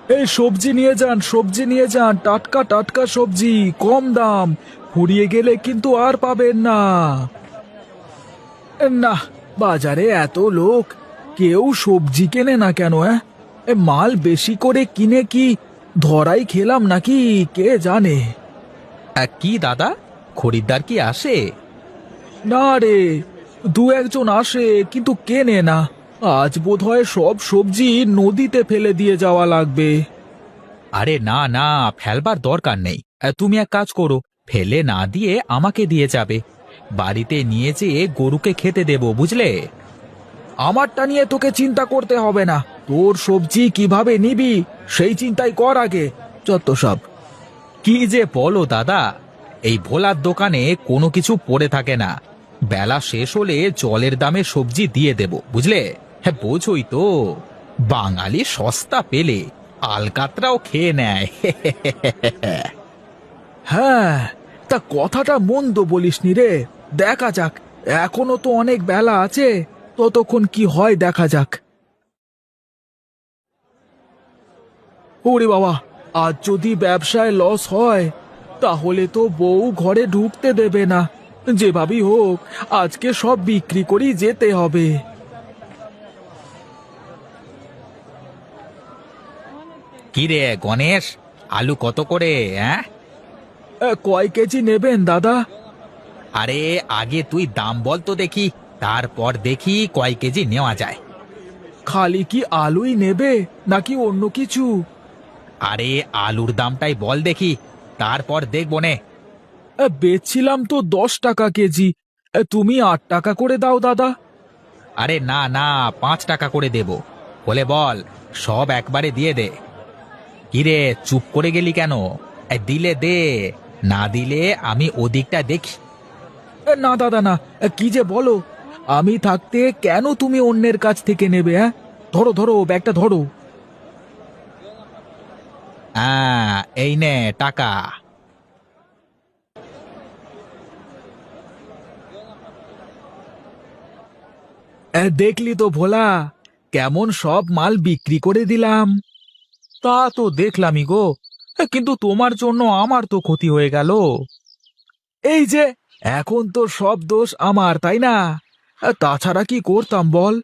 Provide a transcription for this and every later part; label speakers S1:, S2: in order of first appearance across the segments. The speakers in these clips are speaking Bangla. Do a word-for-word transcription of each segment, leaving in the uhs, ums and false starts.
S1: এই সবজি নিয়ে যান, সবজি নিয়ে যান, টাটকা টাটকা সবজি, কম দাম। ফুরিয়ে গেলে কিন্তু আর পাবেন না। না, বাজারে এত লোক, কেউ সবজি কেনে না কেন? হ্যাঁ, এ মাল বেশি করে কিনে কি ধরাই খেলাম নাকি কে জানে।
S2: আহ, কি দাদা, খরিদ্দার কি আসে?
S1: না রে, দু একজন আসে কিন্তু কেনে না। আজ বোধহয় সব সবজি নদীতে ফেলে দিয়ে যাওয়া লাগবে।
S2: আরে না না, ফেলবার দরকার নেই। আহ, তুমি এক কাজ করো, ফেলে না দিয়ে আমাকে দিয়ে যাবে। বাড়িতে নিয়ে যেয়ে গরুকে খেতে দেবো, বুঝলে?
S1: আমারটা নিয়ে তোকে চিন্তা করতে হবে না, তোর সবজি কিভাবে নিবি সেই চিন্তাই কর আগে। যত সব।
S2: কি যে বলো দাদা, এই ভোলার দোকানে কোনো কিছু পড়ে থাকে না। বেলা শেষ হলে জলের দামে সবজি দিয়ে দেব, বুঝলে? হ্যাঁ, বোঝোই তো, বাঙালি সস্তা পেলে আলকাতরাও খেয়ে নেয়।
S1: হ্যাঁ, তা কথাটা মন্দ বলিসনি রে। দেখা যাক, এখনো তো অনেক বেলা আছে, ততক্ষণ কি হয় দেখা যাক। ওরে বাবা, আজ যদি ব্যবসায় লস হয় তাহলে তো বউ ঘরে ঢুকতে দেবে না। যেভাবেই হোক আজকে সব বিক্রি করেই যেতে হবে।
S2: কি রে গণেশ, আলু কত করে? হ্যাঁ,
S1: এ, কয় কেজি নেবেন দাদা?
S2: আরে আগে তুই দাম বল তো দেখি, তারপর দেখি কয় কেজি নেওয়া যায়।
S1: খালি কি আলুই নেবে নাকি অন্য কিছু?
S2: আরে আলুর দামটাই বল দেখি, তারপর দেখবো নে।
S1: এ, বেচছিলাম তো দশ টাকা কেজি। এ, তুমি আট টাকা করে দাও দাদা।
S2: আরে না না, পাঁচ টাকা করে দেব। বলে বল, সব একবারে দিয়ে দে। কিরে, চুপ করে গেলি কেন? এই দিলে দে, না দিলে আমি ওদিকটা দেখি।
S1: এ, না দাদা না, এ, কি যে বলো, আমি থাকতে কেন তুমি অন্যের কাছ থেকে নেবে? হ্যাঁ, ধরো ধরো ব্যাগটা ধরো।
S2: হ্যাঁ, এই নে টাকা।
S1: এ, দেখলি তো ভোলা, কেমন সব মাল বিক্রি করে দিলাম।
S2: তা তো দেখলামই গো, কিন্তু তোমার জন্য আমার তো ক্ষতি হয়ে গেল।
S1: এই যে, এখন তো সব দোষ আমার, তাই না? এ, তাছাড়া কি করতাম বল?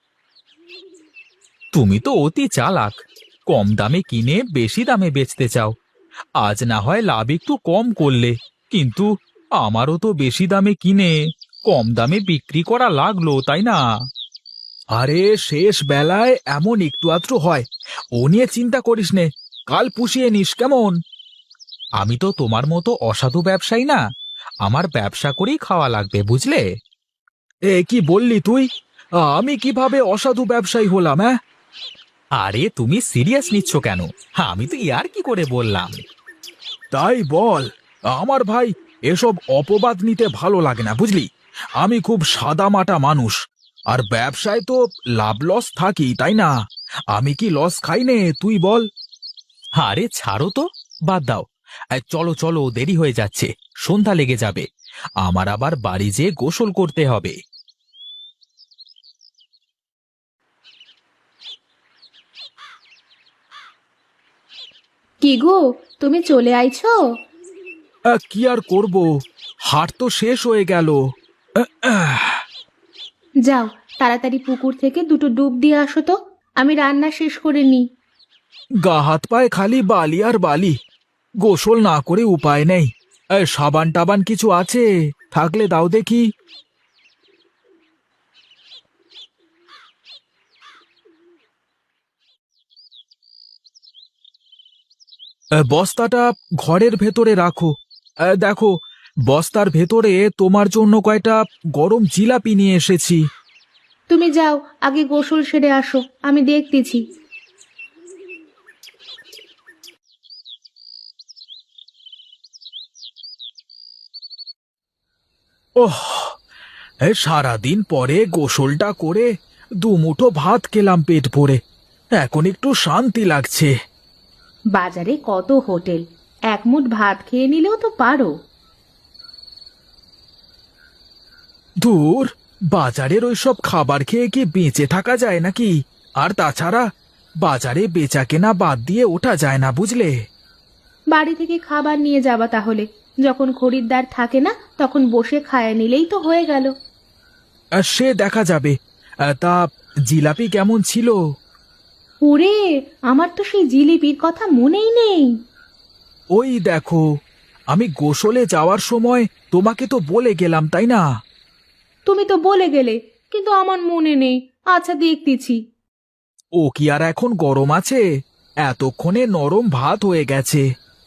S2: তুমি তো অতি চালাক, কম দামে কিনে বেশি দামে বেচতে চাও। আজ না হয় লাভ একটু কম করলে, কিন্তু আমারও তো বেশি দামে কিনে কম দামে বিক্রি করা লাগলো, তাই না?
S1: আরে শেষ বেলায় এমন একটু আধটু হয়, ও নিয়ে চিন্তা করিস নে, কাল পুষিয়ে নিস কেমন?
S2: আমি তো তোমার মতো অসাধু ব্যবসায়ী না, আমার ব্যবসা করেই খাওয়া লাগবে, বুঝলে?
S1: এ কি বললি তুই? আমি কিভাবে অসাধু ব্যবসায়ী হলাম? হ্যাঁ,
S2: আরে তুমি সিরিয়াস নিচ্ছ কেন? আমি তো ইয়ার কি করে বললাম।
S1: তাই বল। আমার ভাই, এসব অপবাদ নিতে ভালো লাগে না বুঝলি। আমি খুব সাদামাটা মানুষ, আর ব্যবসায় তো লাভ লস থাকি, তাই না? আমি কি লস খাই নে, তুই বল।
S2: আরে ছাড়ো তো, বাদ দাও। এই চলো চলো, দেরি হয়ে যাচ্ছে, সন্ধ্যা লেগে যাবে। আমার আবার বাড়ি যেয়ে গোসল করতে হবে।
S3: কি গো, তুমি চলে আইছো?
S1: আহ, কি আর করব, হাট তো শেষ হয়ে গেল। আহ, আহ।
S3: যাও, তাড়াতাড়ি পুকুর থেকে দুটো ডুব দিয়ে আসো তো, আমি রান্না শেষ করে নিই।
S1: গা হাত পায়ে খালি বালি আর বালি, গোসল না করে উপায় নেই। এ, সাবান টাবান কিছু আছে? থাকলে দাও দেখি। এ, বস্তাটা ঘরের ভেতরে রাখো। এ, দেখো, বস্তার ভেতরে তোমার জন্য কয়টা গরম জিলাপি নিয়ে এসেছি।
S3: তুমি যাও, আগে গোসল সেরে আসো, আমি দেখতেছি।
S1: ওহ, এ, সারাদিন পরে গোসলটা করে দুমুঠো ভাত খেলাম পেট ভরে, এখন একটু শান্তি লাগছে।
S3: বাজারে কত হোটেল, এক মুঠ ভাত খেয়ে নিলেও তো পারো।
S1: দূর, বাজারের ওইসব খাবার খেয়ে কি বেঁচে থাকা যায় নাকি? আর তাছাড়া বাজারে বেচা কেনা বাদ দিয়ে ওঠা যায় না বুঝলে।
S3: বাড়ি থেকে খাবার নিয়ে যাবা তাহলে, যখন খরিদ্দার থাকে না তখন বসে খায় নিলেই তো হয়ে গেল।
S1: আহ, সে দেখা যাবে। আহ, তা জিলাপি কেমন ছিল?
S3: ওরে, আমার তো সেই জিলিপির কথা মনেই নেই।
S1: ওই দেখো, আমি গোসলে যাওয়ার সময় তোমাকে তো বলে গেলাম তাই না?
S3: তুমি তো বলে গেলে, কিন্তু আমার মনে নেই। আচ্ছা, দেখতেছি।
S1: ও কি আর এখন গরম আছে? এতক্ষণে নরম ভাত হয়ে গেছে।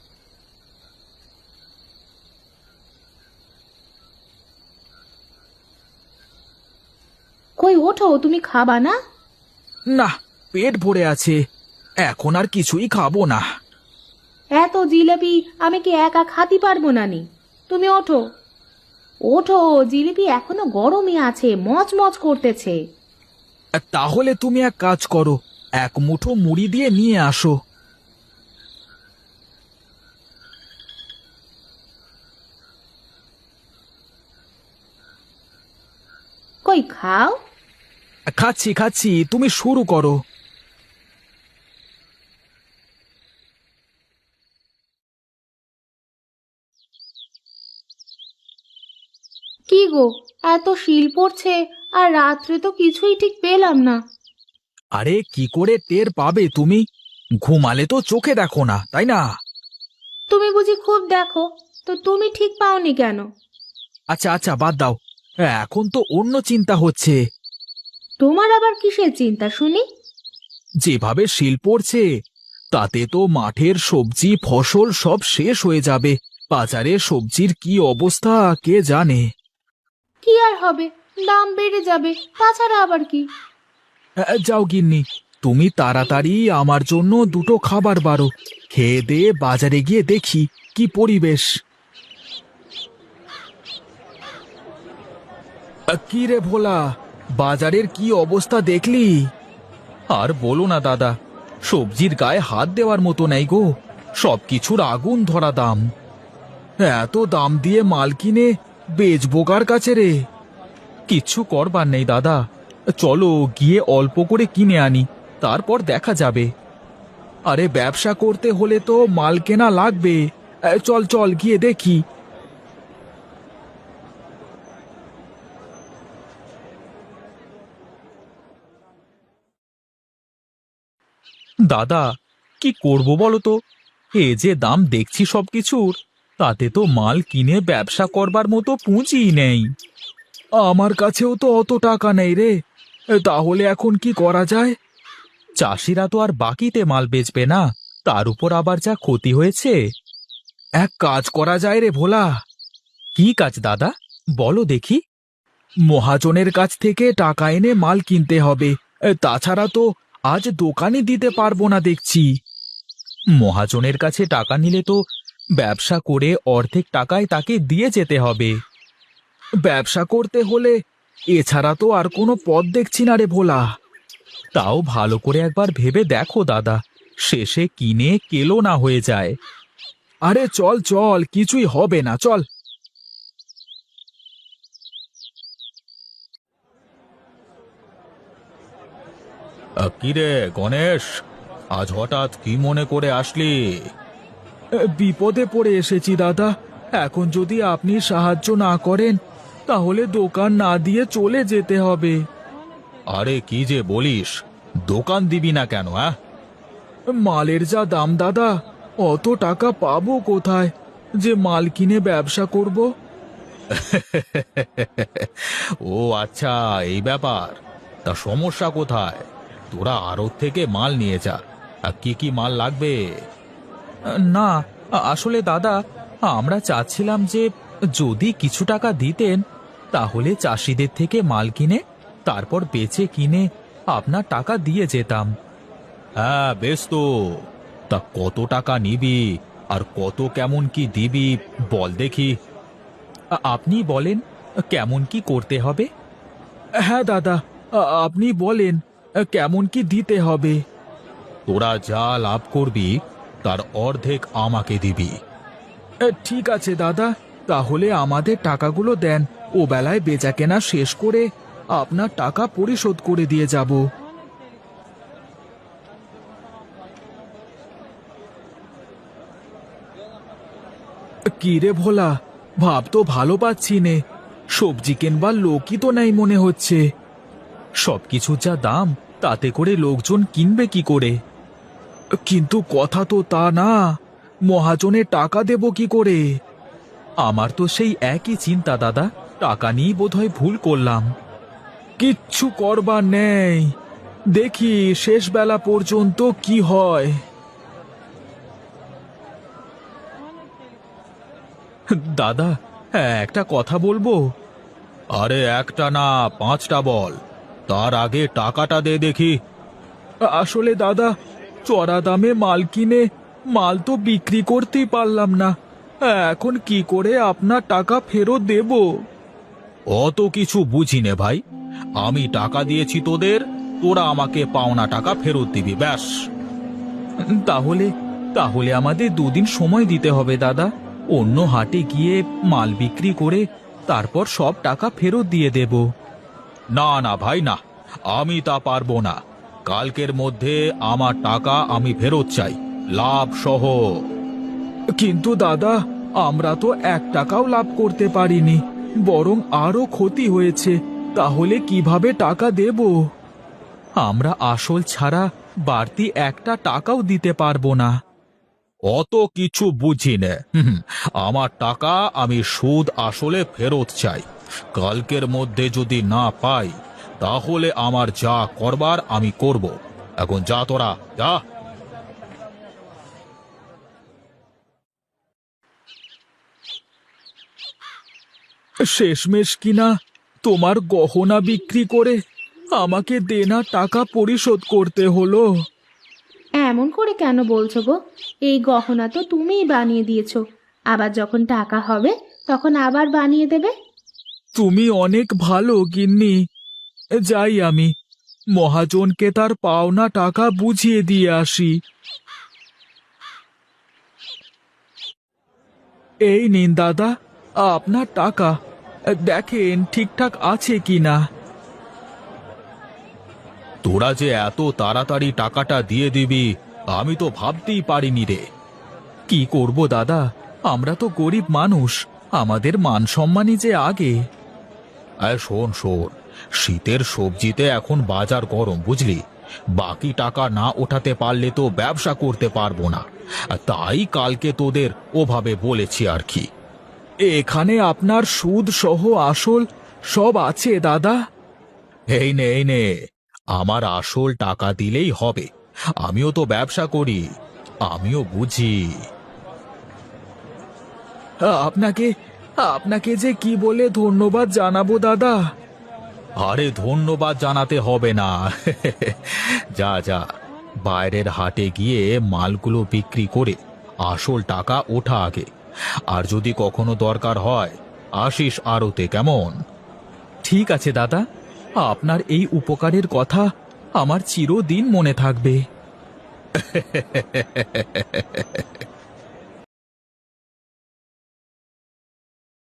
S3: কই ওঠো, তুমি খাবা না?
S1: না, পেট ভরে আছে, এখন আর কিছুই খাবো না।
S3: এত জিলিপি আমি কি একা খাতে পারবো না নি? তুমি ওঠো ওঠো, জিলিপি এখনো গরমই আছে, মচমচ করতেছে।
S1: তাহলে তুমি এক কাজ করো, এক মুঠো মুড়ি দিয়ে নিয়ে আসো।
S3: কই খাও।
S1: খাচ্ছি খাচ্ছি, তুমি শুরু করো।
S3: কি গো, এত শিল পড়ছে, আর রাত্রে তো কিছুই ঠিক পেলাম না।
S1: আরে কি করে টের পাবে তুমি? ঘুমালে তো চোখে দেখো না তাই না?
S3: তুমি বুঝি খুব দেখো, তো তুমি ঠিক পাওনি কেন?
S1: আচ্ছা আচ্ছা, বাদ দাও, এখন তো অন্য চিন্তা হচ্ছে।
S3: তোমার আবার কিসের চিন্তা শুনি?
S1: যেভাবে শিল পড়ছে তাতে তো মাঠের সবজি ফসল সব শেষ হয়ে যাবে। বাজারে সবজির কি অবস্থা কে জানে।
S3: কি আর হবে, দাম বেড়ে যাবে, তাছাড়া আবার কি।
S1: আহ, যাও গিন্নি, তুমি তাড়াতাড়ি আমার জন্য দুটো খাবার বারো, খেয়ে দিয়ে বাজারে গিয়ে দেখি কি পরিবেশ। আহ, কি রে ভোলা, বাজারের কি অবস্থা দেখলি?
S2: আর বলো না দাদা, সবজির গায়ে হাত দেওয়ার মতো নেই গো, সবকিছুর আগুন ধরা দাম।
S1: এত দাম দিয়ে মাল কিনে বেচবো কার কাছে রে?
S2: কিচ্ছু করবার নেই দাদা, চলো গিয়ে অল্প করে কিনে আনি, তারপর দেখা যাবে।
S1: আরে ব্যবসা করতে হলে তো মাল কেনা লাগবে। আহ, চল চল গিয়ে দেখি।
S2: দাদা, কি করব বলো তো, এ যে দাম দেখছি সবকিছুর, তাতে তো মাল কিনে ব্যবসা করবার মতো পুঁজিই নেই।
S1: আমার কাছেও তো অত টাকা নেই রে, তাহলে এখন কি করা যায়?
S2: চাষিরা তো আর বাকিতে মাল বেচবে না, তার উপর আবার যা ক্ষতি হয়েছে।
S1: এক কাজ করা যায় রে ভোলা।
S2: কি কাজ দাদা, বলো দেখি।
S1: মহাজনের কাছ থেকে টাকা এনে মাল কিনতে হবে, তাছাড়া তো আজ দোকানে দিতে পারবো না দেখছি।
S2: মহাজনের কাছে টাকা নিলে তো ব্যবসা করে অর্ধেক টাকায় তাকে দিয়ে যেতে হবে।
S1: ব্যবসা করতে হলে এছাড়া তো আর কোনো পথ দেখছি না রে ভোলা।
S2: তাও ভালো করে একবার ভেবে দেখো দাদা, শেষে কিনে কেলো না হয়ে যায়।
S1: আরে চল চল, কিছুই হবে না, চল।
S2: কিরে গণেশ, আজ হঠাৎ কি মনে করে আসলি?
S1: বিপদে পড়ে এসেছি দাদা, এখন যদি আপনি সাহায্য না করেন তাহলে দোকান না দিয়ে চলে যেতে হবে।
S2: আরে কি যে বলিস, দোকান দিবি না কেন? হ্যাঁ,
S1: মালের যা দাম দাদা, অত টাকা পাবো কোথায় যে মাল কিনে ব্যবসা করব?
S2: ও আচ্ছা, এই ব্যাপার। তা সমস্যা কোথায়? তোরা আড়ত থেকে মাল নিয়ে যা। আর কি কি মাল লাগবে? না, আসলে দাদা, আমরা চাচ্ছিলাম যে যদি কিছু টাকা দিতেন তাহলে চাষিদের থেকে মাল কিনে তারপর বেচে কিনে আপনার টাকা দিয়ে যেতাম। হ্যাঁ বেশ তো, তা কত টাকা নিবি আর কত কেমন কি দিবি বল দেখি। আপনি বলেন কেমন কি করতে হবে।
S1: হ্যাঁ দাদা, আ- আপনি বলেন কেমন কি দিতে হবে।
S2: তোরা যা লাভ করবি তার অর্ধেক আমাকে দিবি।
S1: এ, ঠিক আছে দাদা, তাহলে আমাদের টাকাগুলো দেন, ও বেলায় বেচা কেনা শেষ করে আপনার টাকা পরিশোধ করে দিয়ে যাব। কি রে ভোলা, ভাব তো ভালো পাচ্ছি নে। সবজি কেনবার লোকই তো নাই মনে হচ্ছে।
S2: সবকিছুর যা দাম, তাতে করে লোকজন কিনবে কি করে?
S1: কিন্তু কথা তো তা না, মহাজনে টাকা দেব কি করে?
S2: আমার তো সেই একই চিন্তা দাদা, টাকা নিয়েই বোধহয় ভুল করলাম।
S1: কিচ্ছু করবার নেই, দেখি শেষ বেলা পর্যন্ত কি হয়।
S2: দাদা, হ্যাঁ, একটা কথা বলবো? আরে একটা না, পাঁচটা বল, তার আগে টাকাটা দে দেখি।
S1: আসলে দাদা, চড়া দামে মাল কিনে মাল তো বিক্রি করতেই পারলাম না। এখন কি করে আপনার টাকা ফেরত দেব?
S2: অত কিছু বুঝি নে ভাই, আমি টাকা দিয়েছি তোদের, তোরা আমাকে পাওনা টাকা ফেরত দিবি, ব্যাস। তাহলে তাহলে আমাদের দুদিন সময় দিতে হবে দাদা। অন্য হাটে গিয়ে মাল বিক্রি করে তারপর সব টাকা ফেরত দিয়ে দেব। না না ভাই না, আমি তা পারবো না। কালকের মধ্যে আমার টাকা আমি ফেরত চাই, লাভ সহ।
S1: কিন্তু দাদা, আমরা তো এক টাকাও লাভ করতে পারিনি, বরং আরো ক্ষতি হয়েছে। তাহলে কিভাবে টাকা দেব?
S2: আমরা আসল ছাড়া বাড়তি একটা টাকাও দিতে পারবো না। অত কিছু বুঝি নে, হুম, আমার টাকা আমি সুদ আসলে ফেরত চাই। কালকের মধ্যে যদি না পাই, তাহলে আমার যা করবার আমি করব। এখন যা, তোরা যা।
S1: শেষমেশ কিনা তোমার গহনা বিক্রি করে আমাকে দেনা টাকা পরিশোধ করতে হলো।
S3: এমন করে কেন বলছো গো? এই গহনা তো তুমিই বানিয়ে দিয়েছো, আবার যখন টাকা হবে তখন আবার বানিয়ে দেবে।
S1: তুমি অনেক ভালো গিন্নি। যাই আমি মহাজনকে তার পাওনা টাকা বুঝিয়ে দিয়ে আসি। এই নিন দাদা, আপনার টাকা। দেখেন ঠিকঠাক আছে কিনা।
S2: তোরা যে এত তাড়াতাড়ি টাকাটা দিয়ে দিবি, আমি তো ভাবতেই পারিনি রে।
S1: কি করব দাদা, আমরা তো গরিব মানুষ, আমাদের মান সম্মানই যে আগে।
S2: আর শোন শোন, শীতের সবজিতে এখন বাজার গরম, বুঝলি? বাকি টাকা না ওঠাতে পারলে তো ব্যবসা করতে পারবো না, তাই কালকে তোদের ওভাবে বলেছি আর কি।
S1: এখানে আপনার সুদ সহ আসল সব আছে দাদা।
S2: এই নে এই নে, আমার আসল টাকা দিলেই হবে। আমিও তো ব্যবসা করি, আমিও বুঝি।
S1: আপনাকে আপনাকে যে কি বলে ধন্যবাদ জানাবো দাদা।
S2: আরে ধন্যবাদ জানাতে হবে না। যা যা, বাইরের হাটে গিয়ে মালগুলো বিক্রি করে আসল টাকা ওঠা আগে। আর যদি কখনো দরকার হয়, আসিস আড়তে, কেমন?
S1: ঠিক আছে দাদা, আপনার এই উপকারের কথা আমার চিরদিন মনে থাকবে।